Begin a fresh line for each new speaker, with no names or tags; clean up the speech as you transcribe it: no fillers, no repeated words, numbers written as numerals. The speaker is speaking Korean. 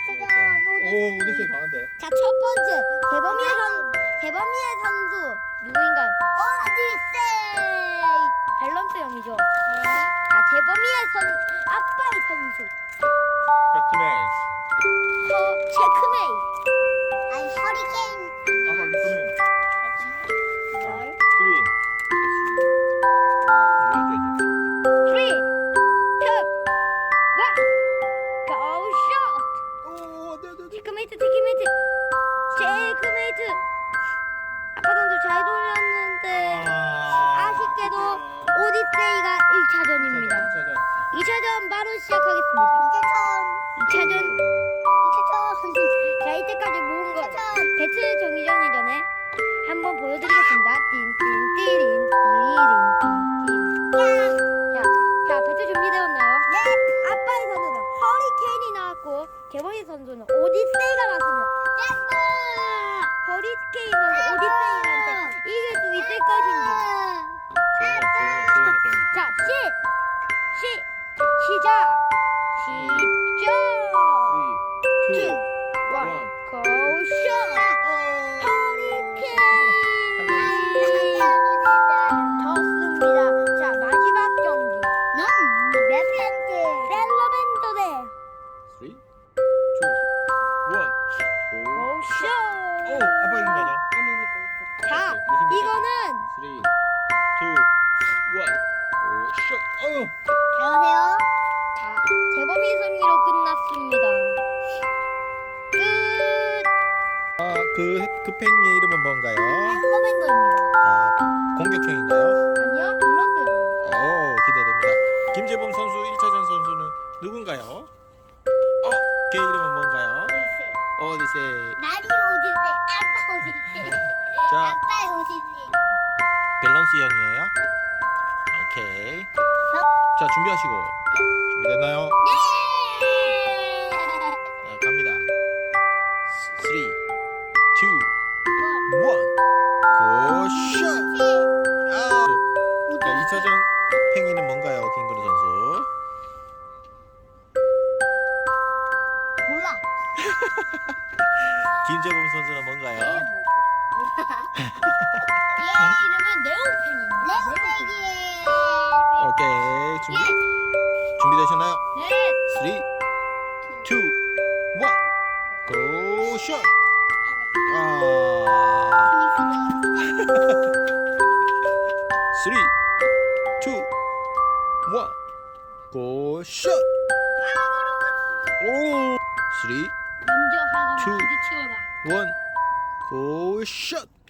오, 오디세이 강한데.
자, 첫 번째 대범이의 선수 누구인가요? 오디세이. 밸런스형이죠. 자, 대범이의 아빠의 선수.
체크메이트.
체크메이.
아니 허리케인.
아빠 체크메이트.
열. 3, 2, 1, go shot.
오, 안돼 안돼.
체크메이트. 아빠 선수 잘 돌렸는데 아쉽게도 오디세이가 1차전입니다. 2차전 바로 시작하겠습니다.
이제
2차전. 자, 이때까지 모은 거 배틀 정리전이 전에 한번 보여드리겠습니다. 띵띵띠린 띠린 띠린. 자, 배틀 준비되었나요? 아빠의 선수는 허리케인이 나왔고 개봉이 선수는 오디세이가 나왔습니다. 허리케인 선수 오디세이한테 이길 수 있을 것인지. 자, 시작. 2, 1, go shot. 허리케인 졌습니다. 자, 마지막 경기 셀러맨더 대
3, 2, 1.
go shot.
오, 아빠 이긴 거 아니야?
자, 이거는
3, 2, 1. 오, 슛. 어유.
안녕하세요.
자, 재범이 승리로 끝났습니다. 끝.
그 팽이의 이름은 뭔가요?
셀러맨더입니다.
아, 공격형인가요?
아니요, 불렀어요.
오, 기대됩니다. 김재범 선수 1차전 선수는 누군가요? 걔 이름은 뭔가요? 오디세이.
나리 오디세. 아빠 오디세.
자,
아빠 오디세.
밸런스형이에요. 오케이. 자, 준비하시고. 준비됐나요? 자, 갑니다. 3, 2, 1. 고 슛! 자, 2차전 팽이는 뭔가요, 김그루 선수?
몰라.
김재범 선수는 뭔가요?
얘 이름은 네오펜입니다.
레오백이에요.
오케이. 준비되셨나요?
네.
3, 2, 1. 고 슛! 아. 3, 2, 1. 고 슛! 오! 3,
먼저 하고
투.
부딪히거나.
1. 고 슛!